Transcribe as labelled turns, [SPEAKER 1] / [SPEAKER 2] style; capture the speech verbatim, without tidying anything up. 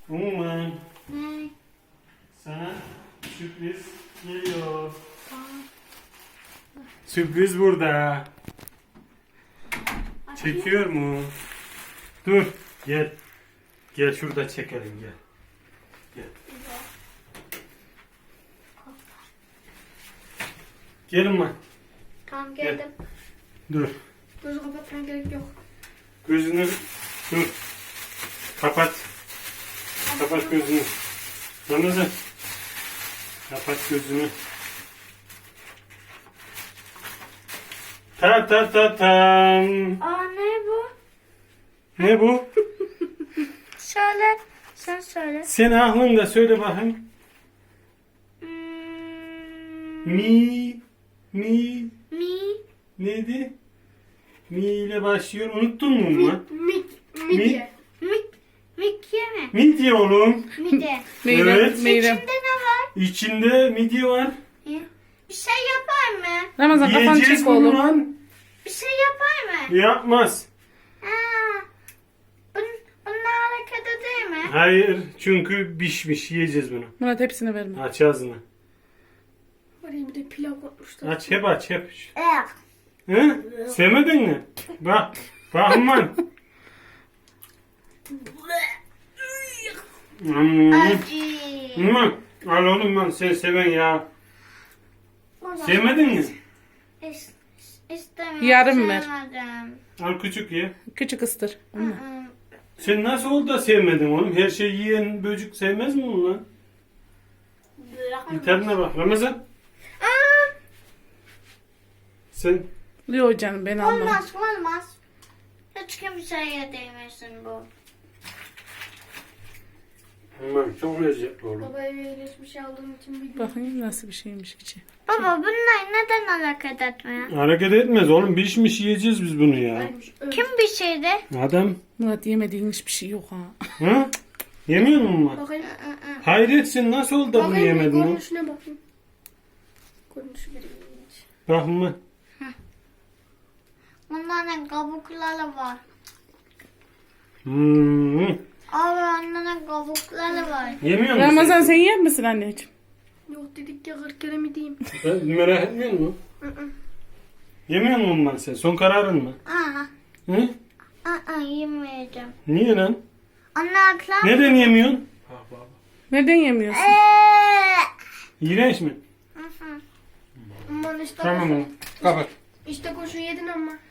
[SPEAKER 1] Umman,
[SPEAKER 2] Ne?
[SPEAKER 1] sana sürpriz geliyor. Sürpriz burada. Çekiyor mu? Dur, gel. Gel şurada çekelim, gel. Gel. Gel Umman.
[SPEAKER 2] Tamam geldim.
[SPEAKER 1] Dur.
[SPEAKER 2] Gözü kapatmaya gerek yok.
[SPEAKER 1] Gözünü dur. Kapat. Kapat gözünü. Ramazan. Kapat gözünü. Ta ta ta tam.
[SPEAKER 2] Aa ne bu?
[SPEAKER 1] Ne bu?
[SPEAKER 2] Söyle. Sen söyle.
[SPEAKER 1] Sen aklında söyle bakayım.
[SPEAKER 2] Hmm,
[SPEAKER 1] Mi. Mi.
[SPEAKER 2] mi.
[SPEAKER 1] Neydi? Mi ile başlıyor. Unuttun mu Umman?
[SPEAKER 2] Mik.
[SPEAKER 1] Mi?
[SPEAKER 2] Midye. Mik. Mikye mi?
[SPEAKER 1] Midye oğlum.
[SPEAKER 2] Midye.
[SPEAKER 3] Meyrem,
[SPEAKER 1] Evet.
[SPEAKER 3] Meyrem.
[SPEAKER 2] İçinde ne var?
[SPEAKER 1] İçinde midye var.
[SPEAKER 2] Bir şey yapar mı?
[SPEAKER 3] Ramazan kafanı
[SPEAKER 1] Yiyeceğiz
[SPEAKER 3] çek
[SPEAKER 1] bunu
[SPEAKER 3] oğlum.
[SPEAKER 1] lan.
[SPEAKER 2] Bir şey yapar mı?
[SPEAKER 1] Yapmaz.
[SPEAKER 2] Aa, bun, bunlar hareket değil mi?
[SPEAKER 1] Hayır. Çünkü pişmiş. Yiyeceğiz bunu.
[SPEAKER 3] Murat hepsini verme.
[SPEAKER 1] Aç ağzını.
[SPEAKER 2] Oraya bir de pilav koymuşlar.
[SPEAKER 1] Aç hep aç hep.
[SPEAKER 2] Evet.
[SPEAKER 1] Hı? Sevmedin mi? Bak. Bak Umman. Hmm.
[SPEAKER 2] Acı.
[SPEAKER 1] Umman. Al oğlum lan sen seven ya. Sevmedin mi?
[SPEAKER 2] İs, istemiyorum.
[SPEAKER 3] Yarım ver.
[SPEAKER 2] Sevmedim.
[SPEAKER 1] Al küçük ye.
[SPEAKER 3] Küçük ıstır.
[SPEAKER 2] Hı hı.
[SPEAKER 1] Sen nasıl oldu da sevmedin oğlum? Her şeyi yiyen böcük sevmez mi onu lan? Bir tadına bak Ramazan.
[SPEAKER 2] Aa,
[SPEAKER 1] Sen
[SPEAKER 3] Yok canım ben almam.
[SPEAKER 2] olmaz olmaz. Hiç kimseye değmesin bu.
[SPEAKER 1] Umman çok lezzetli oğlum.
[SPEAKER 2] Baba eve geçmiş aldığım için biliyorum.
[SPEAKER 3] Bakayım nasıl bir şeymiş içi.
[SPEAKER 2] Baba bunlar neden hareket etmiyor?
[SPEAKER 1] Hareket etmez oğlum. Pişmiş yiyeceğiz biz bunu ya.
[SPEAKER 2] Kim bir şeydi?
[SPEAKER 1] Adam.
[SPEAKER 3] Murat yemediğin hiçbir şey yok ha.
[SPEAKER 1] Ha? Yemiyor musun Umman?
[SPEAKER 2] Bakayım.
[SPEAKER 1] Hayret sen nasıl oldu da bunu yemedin oğlum?
[SPEAKER 2] Görünüşüne bakayım. Görünüşü bir ilginç.
[SPEAKER 1] Bak Umman.
[SPEAKER 2] Bunların kabukları var.
[SPEAKER 1] Hmm.
[SPEAKER 2] Abi onların kabukları var.
[SPEAKER 1] Yemiyor musun?
[SPEAKER 3] Ramazan sen yer misin anneciğim?
[SPEAKER 2] Yok dedik ya kırk kere mi diyeyim?
[SPEAKER 1] Sen merak etmiyor musun? Yemiyor musun Umman sen? Son kararın mı?
[SPEAKER 2] Aa,
[SPEAKER 1] Hı?
[SPEAKER 2] aa yemeyeceğim.
[SPEAKER 1] Niye lan?
[SPEAKER 2] Anlatlar.
[SPEAKER 1] Neden yemiyorsun?
[SPEAKER 3] Neden yemiyorsun?
[SPEAKER 2] Eee.
[SPEAKER 1] İğrenç mi?
[SPEAKER 2] Aman işte
[SPEAKER 1] Tamam
[SPEAKER 2] koşu.
[SPEAKER 1] oğlum. Kapat.
[SPEAKER 2] İşte koşu yedin ama.